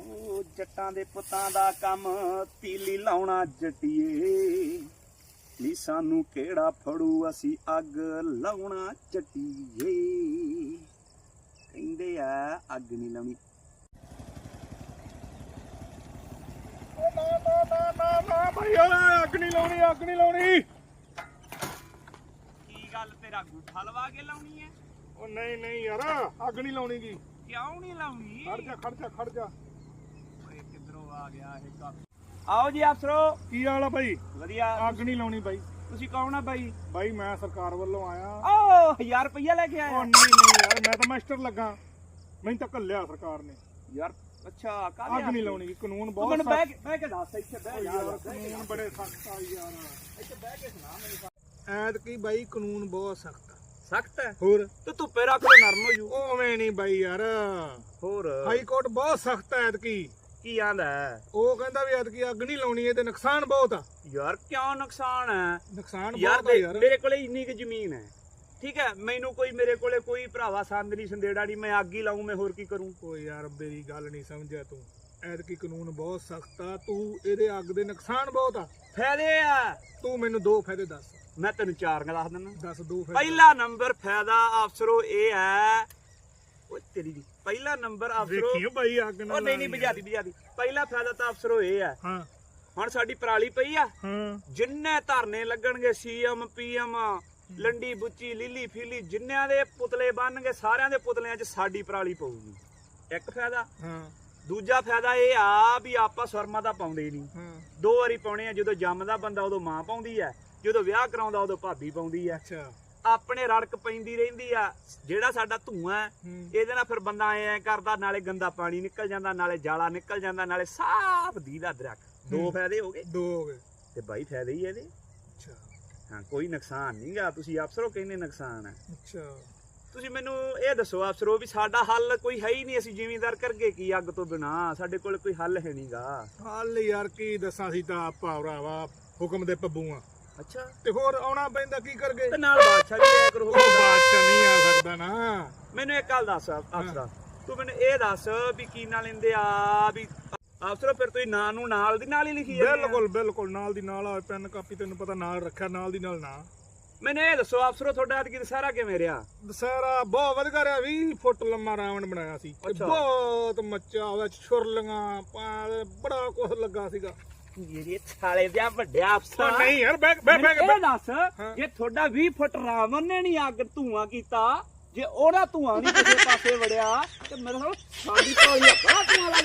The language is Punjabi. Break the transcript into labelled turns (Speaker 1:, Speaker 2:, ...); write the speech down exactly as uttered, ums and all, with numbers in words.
Speaker 1: ਓ ਜੱਟਾਂ ਦੇ ਪੁੱਤਾਂ ਦਾ ਕੰਮ ਤੀਲੀ ਲਾਉਣਾ ਜੱਟੀਏ ਨੀ ਸਾਨੂੰ ਕਿਹੜਾ ਫੜੂ ਅਸੀਂ ਅੱਗ ਲਾਉਣਾ ਜੱਟੀਏ ਕਹਿੰਦੇ ਆ ਅੱਗ ਨਹੀਂ ਲਾਉਣੀ
Speaker 2: ਨਾ ਨਾ ਨਾ ਨਾ ਨਾ ਭਾਈ ਅੱਗ ਨਹੀਂ ਲਾਉਣੀ ਅੱਗ ਨਹੀਂ ਲਾਉਣੀ
Speaker 1: ਕੀ ਗੱਲ ਤੇਰਾ ਗੁੱਠਾ ਲਵਾ ਕੇ ਲਾਉਣੀ ਹੈ
Speaker 2: ਉਹ ਨਹੀਂ ਨਹੀਂ ਯਾਰ ਅੱਗ ਨਹੀਂ ਲਾਉਣੀ ਗੀ
Speaker 1: ਕਿਉਂ ਨਹੀਂ ਲਾਉਣੀ
Speaker 2: ਖੜ ਜਾ ਖੜ ਜਾ ਖੜ ਜਾ
Speaker 1: ਓਏ ਕਿੱਧਰੋਂ ਆ ਗਿਆ ਇਹ ਕੱਪ ਆਓ ਜੀ ਅਫਸਰੋ
Speaker 2: ਕੀ ਹਾਲ ਆ ਭਾਈ
Speaker 1: ਵਧੀਆ
Speaker 2: ਅੱਗ ਨਹੀਂ ਲਾਉਣੀ ਬਾਈ
Speaker 1: ਤੁਸੀਂ ਕੌਣ ਆ ਬਾਈ
Speaker 2: ਬਾਈ ਮੈਂ ਸਰਕਾਰ ਵੱਲੋਂ ਆਇਆ
Speaker 1: ਓ ਹਜ਼ਾਰ ਰੁਪਈਆ ਲੈ ਕੇ
Speaker 2: ਉਹ
Speaker 1: ਆਇਆ
Speaker 2: ਨਹੀਂ ਨਹੀਂ ਯਾਰ ਮੈਂ ਤਾਂ ਮਾਸਟਰ ਲੱਗਾ ਮੈਨੂੰ ਤਾਂ ਘੱਲਿਆ ਸਰਕਾਰ ਨੇ
Speaker 1: ਯਾਰ ਅੱਛਾ
Speaker 2: ਅੱਗ ਨਹੀਂ ਲਾਉਣੀ ਗੀ ਕਾਨੂੰਨ
Speaker 1: ਤੂੰ
Speaker 2: ਬਹੁਤ
Speaker 1: ਮੈਨੂੰ
Speaker 2: ਸਖਤ
Speaker 1: ਬਹਿ ਕੇ ਬਹਿ ਕੇ ਦੱਸ ਇੱਥੇ ਬਹਿ
Speaker 2: ਯਾਰ
Speaker 1: ਯਾਰ
Speaker 2: ਕਾਨੂੰਨ ਬੜੇ ਸਖਤ ਆ ਯਾਰ
Speaker 1: ਇੱਥੇ ਬਹਿ ਕੇ ਸੁਣਾ ਮੈਨੂੰ
Speaker 2: ਐਤ ਕੀ ਬਾਈ ਕਾਨੂੰਨ ਬਹੁਤ ਸਖਤ ਆ
Speaker 1: ਸਖਤ ਹੈ
Speaker 2: ਹੋਰ
Speaker 1: ਤੂੰ ਧੁੱਪੇ ਰੱਖ ਲੋ ਨਰਮ ਹੋ ਜੂ
Speaker 2: ਉਵੇਂ ਨਹੀਂ ਬਾਈ ਯਾਰ
Speaker 1: ਹੋਰ
Speaker 2: ਹਾਈ ਕੋਰਟ ਬਹੁਤ ਸਖਤ ਐ ਐਤ ਕੀ
Speaker 1: ਕੀ ਆਂਦਾ
Speaker 2: ਉਹ ਕਹਿੰਦਾ ਵੀ ਐਤ ਕੀ ਅੱਗ ਨਹੀਂ ਲਾਉਣੀ ਇਹ ਤੇ ਨੁਕਸਾਨ ਬਹੁਤ ਆ
Speaker 1: ਯਾਰ ਕਿਉਂ ਨੁਕਸਾਨ ਹੈ
Speaker 2: ਨੁਕਸਾਨ
Speaker 1: ਯਾਰ
Speaker 2: ਬਹੁਤ ਆ ਯਾਰ
Speaker 1: ਮੇਰੇ ਕੋਲੇ ਇੰਨੀ ਕੁ ਜ਼ਮੀਨ ਹੈ ਠੀਕ ਹੈ ਮੈਨੂੰ ਕੋਈ ਮੇਰੇ ਕੋਲੇ ਕੋਈ ਭਰਾਵਾ ਸੰਦ ਨਹੀਂ ਸੰਦੇੜਾ ਨਹੀਂ ਮੈਂ ਅੱਗ ਹੀ ਲਾਉਂ ਮੈਂ ਹੋਰ ਕੀ ਕਰੂੰ
Speaker 2: ਓ ਯਾਰ ਮੇਰੀ ਗੱਲ ਨਹੀਂ ਸਮਝਿਆ ਤੂੰ ਐਤਕੀ ਕਾਨੂੰਨ ਬਹੁਤ ਸਖਤ ਆ ਤੂੰ ਇਹਦੇ ਅੱਗ ਦੇ ਨੁਕਸਾਨ ਬਹੁਤ ਆ
Speaker 1: ਫਾਇਦੇ ਆ
Speaker 2: ਤੂੰ ਮੈਨੂੰ ਦੋ ਫਾਇਦੇ ਦੱਸ
Speaker 1: ਮੈਂ ਤੈਨੂੰ ਚਾਰ ਗੱਲ ਦੱਸ ਦਿੰਦਾ
Speaker 2: ਦੱਸ ਦੋ ਫਾਇਦੇ
Speaker 1: ਪਹਿਲਾ ਨੰਬਰ ਫਾਇਦਾ ਅਫਸਰੋ ਇਹ ਹੈ ਓ ਤੇਰੀ ਦੀ ਪਹਿਲਾ ਨੰਬਰ ਅਫਸਰੋ
Speaker 2: ਵੇਖੀਓ ਬਾਈ ਅੱਗ ਨਾਲ
Speaker 1: ਉਹ ਨਹੀਂ ਨਹੀਂ ਬੁਝਾਦੀ ਬੁਝਾਦੀ ਪਹਿਲਾ ਫਾਇਦਾ ਤਾਂ ਅਫਸਰੋ ਇਹ ਹੈ
Speaker 2: ਹਾਂ
Speaker 1: ਹੁਣ ਸਾਡੀ ਪਰਾਲੀ ਪਈ ਆ
Speaker 2: ਹਾਂ
Speaker 1: ਜਿੰਨੇ ਧਰਨੇ ਲੱਗਣਗੇ ਸੀਐਮ ਪੀਐਮ ਲੰਡੀ ਬੁੱਚੀ ਲੀਲੀ ਫੀਲੀ ਜਿੰਨਿਆਂ ਦੇ ਪੁਤਲੇ ਬਣਨਗੇ ਸਾਰਿਆਂ ਦੇ ਪੁਤਲਿਆਂ 'ਚ ਸਾਡੀ ਪਰਾਲੀ ਪਊਗੀ ਇੱਕ ਫਾਇਦਾ
Speaker 2: ਹਾਂ
Speaker 1: ਦੂਜਾ ਫਾਇਦਾ ਇਹ ਆ ਵੀ ਆਪਾਂ ਸੁਰਮਾ ਤਾਂ ਪਾਉਂਦੇ ਨਹੀਂ
Speaker 2: ਹਾਂ
Speaker 1: ਦੋ ਵਾਰੀ ਪਾਉਣੇ ਆ ਜਦੋਂ ਜੰਮਦਾ ਬੰਦਾ ਉਦੋਂ ਮਾਂ ਪਾਉਂਦੀ ਆ ਜਦੋਂ ਵਿਆਹ ਕਰਾਉਂਦਾ ਉਦੋਂ ਭਾਬੀ ਪਾਉਂਦੀ ਆ
Speaker 2: ਅੱਛਾ
Speaker 1: ਆਪਣੇ ਰੜਕ ਪੈਂਦੀ ਰਹਿੰਦੀ ਆ ਜਿਹੜਾ ਸਾਡਾ ਧੂਆਂ ਹੈ,
Speaker 2: ਹੂੰ
Speaker 1: ਇਹਦੇ ਨਾਲ ਫਿਰ ਬੰਦਾ ਐ ਕਰਦਾ ਨਾਲੇ ਗੰਦਾ ਪਾਣੀ ਨਿਕਲ ਜਾਂਦਾ ਨਾਲੇ ਜਾਲਾ ਨਿਕਲ ਜਾਂਦਾ ਨਾਲੇ ਸਾਫ ਦੀਦਾ ਦਰਖਤ ਦੋ
Speaker 2: ਹੂੰ।
Speaker 1: ਫਾਇਦੇ ਹੋ ਗਏ
Speaker 2: ਦੋ ਹੋ ਗਏ
Speaker 1: ਤੇ ਬਾਈ ਫਾਇਦੇ ਹੀ ਇਹਦੇ
Speaker 2: ਅੱਛਾ
Speaker 1: ਹਾਂ ਕੋਈ ਨੁਕਸਾਨ ਨਹੀਂਗਾ ਤੁਸੀਂ ਅਫਸਰੋ ਕਹਿੰਦੇ ਨੁਕਸਾਨ ਹੈ
Speaker 2: ਅੱਛਾ
Speaker 1: ਤੁਸੀਂ ਮੈਨੂੰ ਇਹ ਦੱਸੋ ਅਫਸਰੋ ਵੀ ਸਾਡਾ ਹੱਲ ਕੋਈ ਹੈ ਹੀ ਨਹੀਂ ਅਸੀਂ ਜ਼ਿਮੀਂਦਾਰ ਕਰਗੇ ਕੀ ਅੱਗ ਤੋਂ ਬਿਨਾ ਸਾਡੇ ਕੋਲ ਕੋਈ ਹੱਲ ਹੈ ਨਹੀਂਗਾ
Speaker 2: ਹਾਲ ਯਾਰ ਕੀ ਦੱਸਾਂ ਸੀ ਤਾਂ ਆਪਾਂ ਭਰਾਵਾ ਹੁਕਮ ਦੇ ਪੱਬੂ ਆ
Speaker 1: ਅੱਛਾ
Speaker 2: ਤੇ ਹੋਰ ਆਉਣਾ ਪੈਂਦਾ ਕੀ ਕਰਗੇ
Speaker 1: ਤੇ ਨਾਲ ਬਾਦਸ਼ਾਹ ਵੀ ਆਇਆ ਕਰੋ
Speaker 2: ਉਹ ਬਾਦਸ਼ਾਹ ਨਹੀਂ ਆ ਸਕਦਾ ਨਾ
Speaker 1: ਮੈਨੂੰ ਇੱਕ ਗੱਲ ਦੱਸ ਅਫਸਰਾ ਤੂੰ ਮੈਨੂੰ ਇਹ ਦੱਸ ਵੀ ਕੀ ਨਾਲ ਲੈਂਦੇ ਆ ਵੀ ਅਫਸਰੋ ਫਿਰ ਤੁਸੀਂ ਨਾਂ ਨੂੰ ਨਾਲ ਦੀ ਨਾਲ ਹੀ ਲਿਖੀ ਜਾਂਦੇ ਆ
Speaker 2: ਬਿਲਕੁਲ ਬਿਲਕੁਲ ਨਾਲ ਦੀ ਨਾਲ ਆ ਪੈਨ ਕਾਪੀ ਤੈਨੂੰ ਪਤਾ ਨਾਲ ਰੱਖਿਆ ਨਾਲ ਦੀ ਨਾਲ ਨਾ
Speaker 1: ਮੈਨੂੰ ਇਹ ਦੱਸੋ ਅਫਸਰੋ ਤੁਹਾਡਾ ਅੱਜ ਦੁਸਹਿਰਾ ਕਿਵੇਂ ਰਿਹਾ
Speaker 2: ਦਸਹਿਰਾ ਬਹੁਤ ਵਧੀਆ ਰਿਹਾ ਵੀਹ ਫੁੱਟ ਲੰਮਾ ਰਾਵਣ ਬਣਾਇਆ ਸੀ ਤੇ
Speaker 1: ਅੱਛਾ।
Speaker 2: ਬਹੁਤ ਮੱਚਾ ਉਹਦਾ ਛੁਰਲੀਆਂ ਪਾ- ਬੜਾ ਕੁਝ ਲੱਗਾ ਸੀਗਾ
Speaker 1: ਜਿਹੜੇ ਛਾਲੇ ਦੇ ਵੱਡਿਆ ਅਫਸਰ
Speaker 2: ਉਹ ਨਹੀਂ ਯਾਰ ਬੈਗ ਬੈਗ
Speaker 1: ਮੈਨੂੰ
Speaker 2: ਬੈਗ
Speaker 1: ਇਹ ਦੱਸ ਜੇ ਤੁਹਾਡਾ ਵੀਹ ਫੁੱਟ ਰਾਵਣ ਨੇ ਨਹੀਂ ਅੱਗ ਧੂਆਂ ਕੀਤਾ ਜੇ ਉਹਦਾ ਧੂਆਂ ਨਹੀਂ ਕਿਸੇ ਪਾਸੇ ਵੜਿਆ ਤੇ ਮੇਰੇ ਨਾਲ ਸਾਡੀ ਕੋਲ ਹੀ ਧੂਆਂ